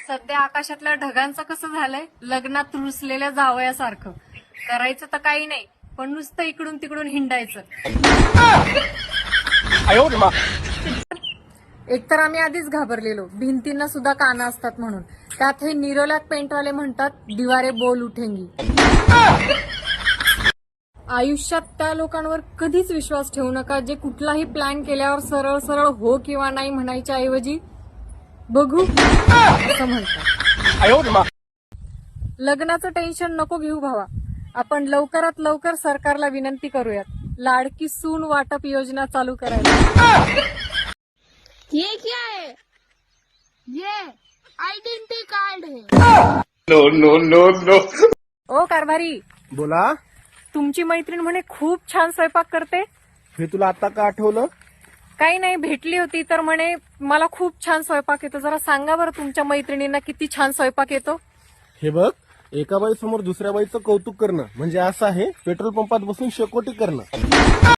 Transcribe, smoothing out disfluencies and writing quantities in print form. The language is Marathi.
सध्या आकाशातल्या ढगांचं कसं झालंय, लग्नात रुसलेल्या जावयासारखं. करायचं तर काही नाही, पण नुसतं इकडून तिकडून हिंडायचं. एकतर आम्ही आधीच घाबरलेलो, भिंतींना सुद्धा कानं असतात म्हणून. त्यात हे निरोलाक पेंटवाले म्हणतात दिवारे बोल उठेंगी. आयुष्यात त्या लोकांवर कधीच विश्वास ठेवू नका जे कुठलाही प्लॅन केल्यावर सरळ सरळ हो किंवा नाही म्हणायच्या ऐवजी बघू असं म्हणतात. लग्नाचं टेन्शन नको घेऊ भावा, आपण लवकरात लवकर सरकारला विनंती करूयात, लाडकी सून वाटप योजना चालू करायला. ये क्या है? ये आइडेंटिटी कार्ड है. No no no no. ओ कारभारी, बोला. तुमची मैत्रीण म्हणे खूप छान स्वयंपाक करते. हे तुला आता का आठवलं? काही नाही, भेटली होती तर म्हणे मला खूप छान स्वयंपाक येतो. जरा सांगा बरं तुमच्या मैत्रिणींना किती छान स्वयंपाक येतो. हे बघ, एका बाई समोर दुसऱ्या बाईचं कौतुक करणं म्हणजे असं आहे पेट्रोल पंपात बसून शेकोटी करणं.